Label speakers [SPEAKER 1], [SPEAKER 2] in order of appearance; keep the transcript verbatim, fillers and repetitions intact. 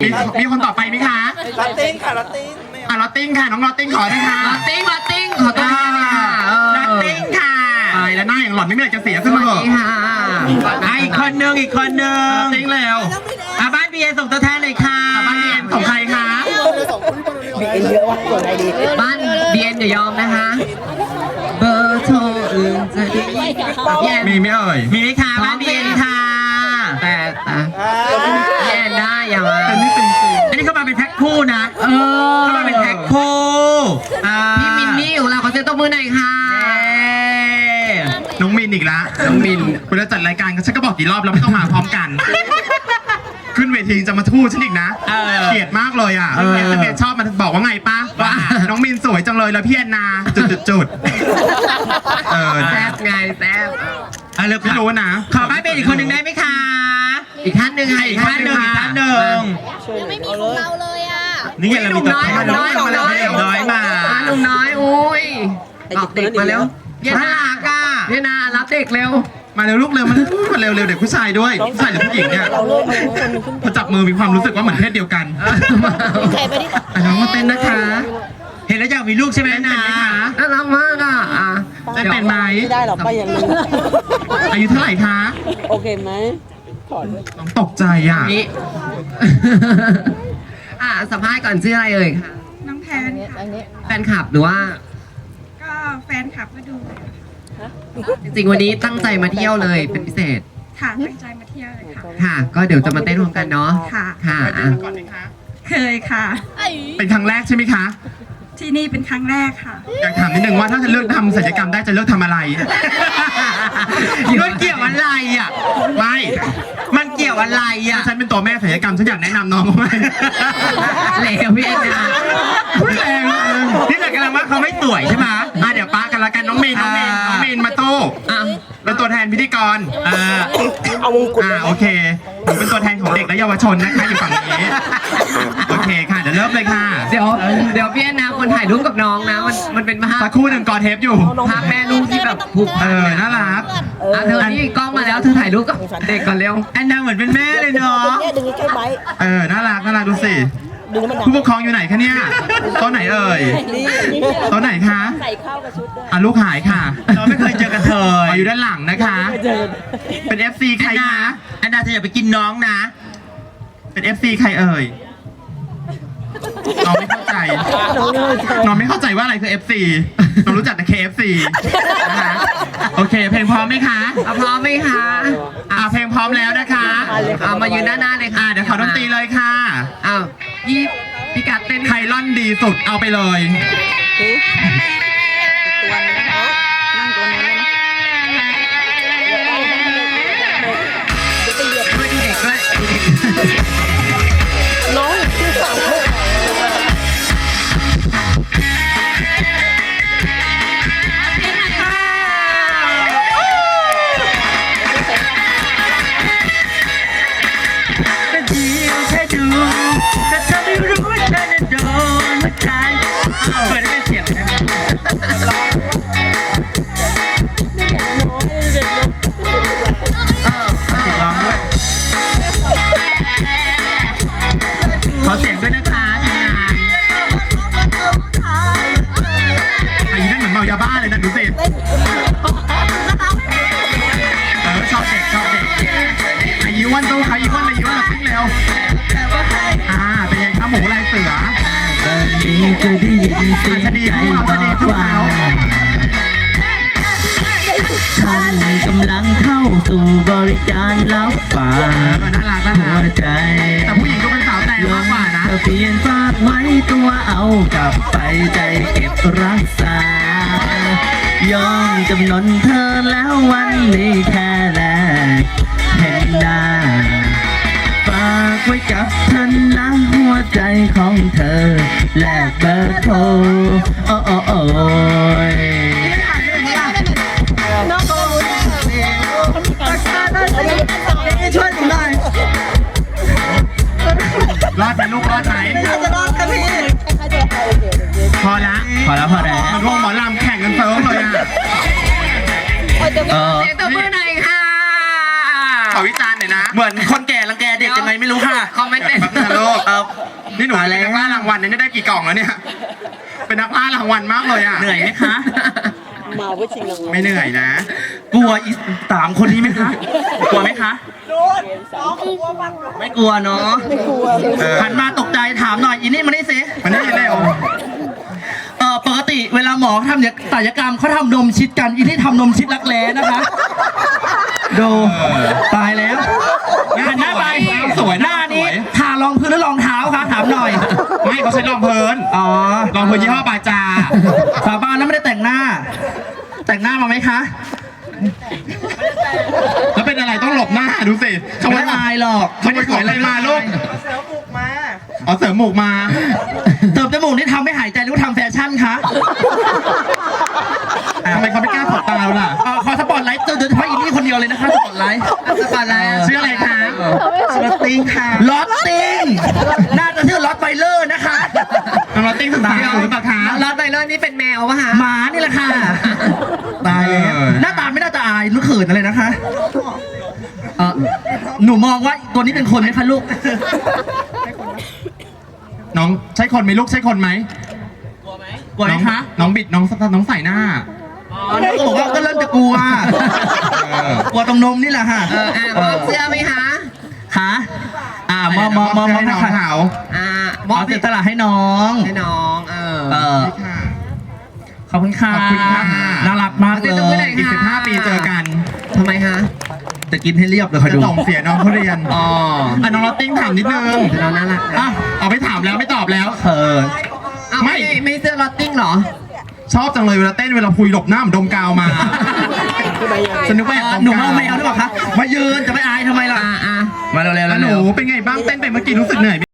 [SPEAKER 1] มีมีคนต่อไปไหมคะ
[SPEAKER 2] ลอตติ้งค่ะลอตติ้ง
[SPEAKER 1] อ่ะลอตติ้งค่ะน้องลอตติ้งขอนะคะ
[SPEAKER 3] ลอตติ้งลอตติ้งขอตัวแทนเลยค่ะเออ
[SPEAKER 1] ลอตติ้งค่ะตายแล้วหน้าอย่างหล่อนไม่มีอะไรจะเสียขึ้นมาเหรอ
[SPEAKER 3] สวัสดีค่ะ
[SPEAKER 4] อ่ะอีกคนนึงอีกคนนึ
[SPEAKER 1] ล
[SPEAKER 4] ง
[SPEAKER 1] อตติ้งแล้ว
[SPEAKER 4] อ่ะบ้านบีเอส่งตัวแทนเลยค่ะ
[SPEAKER 1] อ่ะบ้านเรียนของใครคะ
[SPEAKER 2] มีเอ็นเยอะว่ะส่วนไหนดี
[SPEAKER 3] บ้านเบียนอย่ายอมนะคะเบอร์โทรอื่นจะดีแย่
[SPEAKER 1] มีไหมเอ่ย
[SPEAKER 4] มีไหมคะบ้านบีเอค่ะ
[SPEAKER 3] แต่แต่แย่ได้อย่ามา
[SPEAKER 1] เป็นนี่เป็นจริง
[SPEAKER 4] อันนี้เขามาเป็นแพ็คคู่นะ
[SPEAKER 3] เออ
[SPEAKER 4] เขามาเป็นแพ็คคู่อ่า
[SPEAKER 3] พี่มินนี่ของเราขอเซ็นตัวมือหน่อยค่ะ
[SPEAKER 4] เย้
[SPEAKER 1] น้องมินอีกละ
[SPEAKER 3] น้องมิน
[SPEAKER 1] เวลาจัดรายการฉันก็บอกกี่รอบแล้วไม่ต้องมาพร้อมกัน ขึ้นเวทีจะมาทู่ฉันอีกนะ
[SPEAKER 4] เออ
[SPEAKER 1] เกลียดมากเลยอ่ะเอสเมชอบมันบอกว่าไงป้าว่าน้องมินสวยจังเลยแล้วพี่แอนนาจุดจุดจุดเออ
[SPEAKER 3] แซบไงแซบ
[SPEAKER 4] อ่ะเลิก
[SPEAKER 1] ไม่รู้นะ
[SPEAKER 4] ขอบ้านเป็นอีกคนหนึ่งได้ไหมคะ
[SPEAKER 3] อีกท่านหนึ่งค่ะ
[SPEAKER 4] อีกท่านหนึ่งอีกท่านหนึ่ง
[SPEAKER 5] ยังไม่มีของเราเลยอ่ะ
[SPEAKER 4] นี่ไงเรามีตัวแทน
[SPEAKER 3] หนุ่มน้อยหนุ่มน้อย
[SPEAKER 4] หนุ่มน้อยมา
[SPEAKER 3] อ่ะหนุ่มน้อยอุ้ยออกเด็กมาแล้วเย็น
[SPEAKER 4] น่า
[SPEAKER 3] นา
[SPEAKER 4] รักอ่ะ
[SPEAKER 3] เย็นนารับเด็กเร็ว
[SPEAKER 1] มาเร็วลูกเร็วมามาเร็วเร็วเด็กผู้ชายด้วยผู้ชายหรือผู้หญิงเนี่ย
[SPEAKER 2] เราเลยเอาคนหนึงขึ้น
[SPEAKER 1] พอจับมือมีความรู้สึกว่าเหมือนเพศเดียวกัน
[SPEAKER 5] ใครไปดิ
[SPEAKER 1] อ่ะน้องมาเต้นนะคะ
[SPEAKER 4] เห็นแล้วอยากมีลูกใช่ไหม
[SPEAKER 1] เต้น
[SPEAKER 4] นะ
[SPEAKER 1] เป็นไหมคะ
[SPEAKER 3] น่ารักมากอ่ะอ่ะ
[SPEAKER 1] เต้นเป็นไหม
[SPEAKER 2] ไม่ได้หรอกป้าอย่าลืม
[SPEAKER 1] อายุเท่าไหร่คะ
[SPEAKER 2] โอเคไหมถอดเลย
[SPEAKER 1] น้องตกใจอ่ะ
[SPEAKER 3] นี่ อ่ะสัมภาษณ์ก่อนชื่ออะไรเอ่ยค่ะ
[SPEAKER 6] น้องแพนค่ะ
[SPEAKER 2] อันนี้
[SPEAKER 3] แฟนคลับหรือว่า
[SPEAKER 6] ก็แฟนคลับก็ดู
[SPEAKER 3] จริงๆวันนี้ตั้งใจมาเที่ยวเลยเป็นพิเศษ
[SPEAKER 6] ค่ะตั้งใจมาเที่ยวเลยค่ะ
[SPEAKER 3] ค่ะ ก็เดี๋ยวจะมาเต้นรวมกันเนาะ
[SPEAKER 6] ค่ะ
[SPEAKER 3] ค่ะ
[SPEAKER 1] ไปเต้
[SPEAKER 3] อ่ะ
[SPEAKER 1] นมาก่อนไหมคะ
[SPEAKER 6] เคยค่ะ
[SPEAKER 1] เป็นครั้งแรกใช่ไหมคะ
[SPEAKER 6] ที่นี่เป็นครั้งแรกค่ะ
[SPEAKER 1] อยากถามนิดนึงว่าถ้าจะเลือกทำศัลยกรรมได้จะเลือกทำอะไร
[SPEAKER 4] มันเกี่ยวอะไรอ่ะ
[SPEAKER 1] ไม่
[SPEAKER 4] มันเกี่ยวอะไรอ่ะ
[SPEAKER 1] ฉันเป็นตัวแม่ศัลยกรรมฉันอยากแนะนำน้องเขาไหม
[SPEAKER 3] เลวพี่เอ็นนะ
[SPEAKER 1] พูดแรงเลย
[SPEAKER 4] นี่แต่กำลังว่าเขาไม่สวยใช่ไหม
[SPEAKER 1] อ่ะเดี๋ยวป้ากันละกันน้องเมนน้องเมนน้องเมนมาโต้
[SPEAKER 3] อ่ะ
[SPEAKER 1] เป็นตัวแทนพิธีกร
[SPEAKER 4] อ่า
[SPEAKER 2] เอามงกุฎ
[SPEAKER 1] อ่า
[SPEAKER 2] เลย
[SPEAKER 1] โอเคหนูเป็นตัวแทนของเด็กและเยาวชนนะคะอยู่ฝั่งนี้โอเคค่ะเดี๋ยวเริ่มเลยค่ะ
[SPEAKER 3] เดี๋ยวเดี๋ยวพี่เอ็นนะคนถ่ายรูปกับน้องนะ มันมันเป็นภาพ
[SPEAKER 1] สักครู่หนึ่งกอเทปอยู่
[SPEAKER 3] ภาพแม่ลูกที่แบบผูก
[SPEAKER 1] เอ
[SPEAKER 3] พัน
[SPEAKER 1] อ
[SPEAKER 3] เนี่ย
[SPEAKER 1] น่ารัก
[SPEAKER 3] อ่ะเธอนี่กล้องมาแล้วเธอถ่ายรูปกับเด็กก่อนเร็ว
[SPEAKER 4] แอนนาเหมือนเป็นแม่เลยเนาะ
[SPEAKER 2] เนี่ยดึงใกล้ๆไว้
[SPEAKER 1] เออน่ารักน่ารักดูสิ
[SPEAKER 2] ดึงให้มันดัง
[SPEAKER 1] ผู้ปกครองอยู่ไหนคะเนี่ยโต๊ะไหนเอ่ย
[SPEAKER 2] นี่นี่
[SPEAKER 1] โต๊ะไหนคะ
[SPEAKER 2] ใส่เข้ากับชุดด้วย
[SPEAKER 1] อ่ะลูกหายค่ะ
[SPEAKER 4] เราไม่เคยเจอกันเธอ
[SPEAKER 1] อ๋ออยู่ด้านหลังนะคะ
[SPEAKER 2] เจอ
[SPEAKER 1] เป็น เอฟ ซี ใคร
[SPEAKER 4] แอนนา
[SPEAKER 1] คะ
[SPEAKER 4] แอนนาเธออย่าไปกินน้องนะ
[SPEAKER 1] เป็น เอฟ ซี ใครเอ่ยน้องไม่เข้าใจ
[SPEAKER 2] น้องเลยเจอ
[SPEAKER 1] น้องไม่เข้าใจว่าอะไรคือ เอฟ ซี น้องรู้จักแต่ เค เอฟ ซี นะคะโอเค เพลงพร้อมไหมคะ
[SPEAKER 3] เอาพร้อมไหมคะ
[SPEAKER 1] อ่าเพลงพร้อมแล้วนะคะ
[SPEAKER 3] เอามายืนด้านหน้าเลยค่ะ
[SPEAKER 1] อ่าเดี๋ยวขอดนตรีเลยค่ะ
[SPEAKER 3] อ้าวยี่พี่กัดเต้น
[SPEAKER 1] ใครล่อนดีสุดเอาไปเลย
[SPEAKER 2] ตัวนึงนะคะนั่งตัวนั้นเลยนะ
[SPEAKER 3] ด้วยเด็กด้วย
[SPEAKER 2] น้องชื่อสาวลูก
[SPEAKER 4] ก็เดียวแค่ดูแต่เธอไม่รู้ว่าเธอจะโดนหัวใจเปิดให้เป็นเสียงได้ไหม
[SPEAKER 2] น้อยเด็กลูก
[SPEAKER 1] ร้องด้วย ขอเสียงด้วยนะคะทีมงานอายุนั่นเหมือนเมายาบ้าเลยนะดูสิเออชอบเด็กชอบเด็กอายุวันตู้ค่ะอายุวันอายุวันละปิ้งเร็วอ่าเป็นไงคะหมูลายเสือ
[SPEAKER 4] นี่จะได้ยินเสียง
[SPEAKER 1] อาจจะดี
[SPEAKER 4] ใจ
[SPEAKER 1] พูด
[SPEAKER 4] บ
[SPEAKER 1] เอาจะดี
[SPEAKER 4] อก
[SPEAKER 1] พูด
[SPEAKER 4] ว่า
[SPEAKER 1] เอา
[SPEAKER 4] ฉันกำลังเข้าสู่บริการรับฝา
[SPEAKER 1] เอก อน่ารักน่า
[SPEAKER 4] หั
[SPEAKER 1] รั
[SPEAKER 4] ว
[SPEAKER 1] ก
[SPEAKER 4] ใจ
[SPEAKER 1] แต่ผู้หญิงก็เป็นสาวแต่มากกว่านะ
[SPEAKER 4] เธอเปลี่ยนฝากไว้ตัวเอากลับไปใจเก็บรักษา ยอมจำนนเธอแล้ววันนี้แค่แรกเห็นหน้า ฝากไว้กับฉันนะหัวใจของเธอ แลกเบอร์โทรโอ้โอ้โอ้ย
[SPEAKER 2] น้องก็รู้ช่วยหนูหน่อย
[SPEAKER 1] รอดไหมลูกรอดไหม
[SPEAKER 2] จะรอดกันพี่
[SPEAKER 1] พอละ
[SPEAKER 4] พอแล้วพอแล้ว
[SPEAKER 1] มันวงหมอลำแข่งกันเฟิร์มเลยอ่ะ
[SPEAKER 4] เออ
[SPEAKER 3] เสียงตัวมือหน่อยค่ะ
[SPEAKER 1] ขอวิจารณ์หน่อยนะ
[SPEAKER 4] เหมือนคนแก่รังแกเด็กยังไงไม่รู้ค่ะ
[SPEAKER 3] คอมเมนต์เป็น
[SPEAKER 1] แป๊บนึงนะลูก
[SPEAKER 4] เออ
[SPEAKER 1] นี่หนู
[SPEAKER 4] มา
[SPEAKER 1] เป็น
[SPEAKER 4] แล้ว
[SPEAKER 1] นักล่ารางวัลเนี่ยได้กี่กล่องแล้วเนี่ย เป็นนักล่ารางวัลมากเลยอ่ะ
[SPEAKER 4] เหนื่อยไหมคะ
[SPEAKER 2] มาเพื่อชิงรางวัล
[SPEAKER 1] ไม่เหนื่อยนะ
[SPEAKER 4] กลัวอีสามคนนี้ไหมคะ กลัวไหมคะ ไม่กลัวเนาะ
[SPEAKER 2] ไม่กลัว
[SPEAKER 1] เออ
[SPEAKER 4] หันมาตกใจถามหน่อยอีนี่มานี่สิ
[SPEAKER 1] มันนี่เร็ว
[SPEAKER 4] เออปกติเวลาหมอทำศัลยกรรมเขาทำนมชิดกันอีนี่ทำนมชิดรักแร้นะคะ ดูตายแล้วหันหน้าไป
[SPEAKER 1] สวย
[SPEAKER 4] หน้านี้ทารองพื้นหรือรองเท้าคะถามหน่อย
[SPEAKER 1] ไม่เขาใช้รองเพลิน
[SPEAKER 4] อ๋อ
[SPEAKER 1] รองเพลินยี่ห้อบาจา
[SPEAKER 4] สาบานแล้วไม่ได้แต่งหน้า แต่งหน้ามาไหมคะ
[SPEAKER 1] แล้วเป็นอะไรต้องหลบหน้าดูสิข
[SPEAKER 4] ไม่
[SPEAKER 1] โมย
[SPEAKER 4] ได้อายหรอก
[SPEAKER 1] ขโมยของอะไรมาลูกอ๋อเสริมหมูกมา
[SPEAKER 4] เติมจมูกนี่ทำให้หายใจหรือว่าทำแฟชั่นคะ
[SPEAKER 1] ทำไมเขาไม่กล้าถอดตาเราล่ะ
[SPEAKER 4] เออขอสปอตไลท์โดยเฉพาะอีนี่คนเดียวเลยนะคะสปอตไลท์
[SPEAKER 3] สปอร์ตไลน์
[SPEAKER 1] ชื่ออะไรคะชื่อลอตติ้งค่ะ
[SPEAKER 4] ลอตติงน่าจะชื่อลอตไบเลอร์นะคะ
[SPEAKER 1] น้องลอตติ้งสุดท้ายหรือเปล่าคะ
[SPEAKER 3] ลอตไบเลอร์นี่เป็นแมวปะคะ
[SPEAKER 4] หมานี่แหละค่ะ ตายแล้ว
[SPEAKER 1] เออ
[SPEAKER 4] หน้าตาไม่น่าจะอายหรือเขินอะไรนะคะเออหนูมองว่าตัวนี้เป็นคนไหมคะลูก
[SPEAKER 1] น้องใช่คนไหมลูกใช่คนไหม
[SPEAKER 4] กลัวไหมคะ
[SPEAKER 1] น้องน้องบิดน้องน้องใส่หน้า
[SPEAKER 4] อ๋อน้องก็บอกว่าก็เริ่มจะกลัว
[SPEAKER 1] เออ
[SPEAKER 4] กลัวตรงนมนี่แหละค่ะ
[SPEAKER 3] เอออ่ะมอบเสื้อไหมคะ
[SPEAKER 4] ค่ะอ่ามอมอมอม
[SPEAKER 1] ให้น้อง
[SPEAKER 4] ค่ะ
[SPEAKER 1] เขา
[SPEAKER 3] อ่าม
[SPEAKER 4] ม
[SPEAKER 3] อ
[SPEAKER 4] อ
[SPEAKER 3] บบ
[SPEAKER 4] เสียสละให้น้อง
[SPEAKER 3] ให้น้องเออ
[SPEAKER 4] เออ
[SPEAKER 1] นี่ค่ะ
[SPEAKER 4] ขอบคุณค่ะ
[SPEAKER 1] ขอบคุณค่ะ
[SPEAKER 4] น่ารักมากเล
[SPEAKER 3] ขอบคุณค่ะ
[SPEAKER 4] ย
[SPEAKER 1] อีกสิบห้าปีเจอกัน
[SPEAKER 3] ทำไมคะ
[SPEAKER 4] จะกินให้เรียบเลยคอย
[SPEAKER 1] จะ
[SPEAKER 4] ดู
[SPEAKER 1] ส่งเสียน้องเขาเรียน
[SPEAKER 3] อ๋อ
[SPEAKER 1] อ่ะน้องลอตติ้งถามนิดนึง
[SPEAKER 3] เราน่ารักนะ
[SPEAKER 1] อ่ะเอาไปถามแล้วไม่ตอบแล้ว
[SPEAKER 4] เออ
[SPEAKER 3] อ้าว
[SPEAKER 1] ไม่
[SPEAKER 3] ไม่ไม่เสื้อลอตติ้งเหรอ
[SPEAKER 1] ชอบจังเลยเวลาเต้นเวลาพุยหลบหน้าเหมือนดมกาวมาสนุกแม่
[SPEAKER 4] หนูเมาไม่เอาหรือเปล่าคะมายืนจะไม่อายทำไมล่ะ
[SPEAKER 3] อ่าอ่า
[SPEAKER 4] มาเร็วๆ
[SPEAKER 1] แล้วหนูเป็นไงบ้างเต้นไปเมื่อกี้รู้สึกเหนื่อยไหม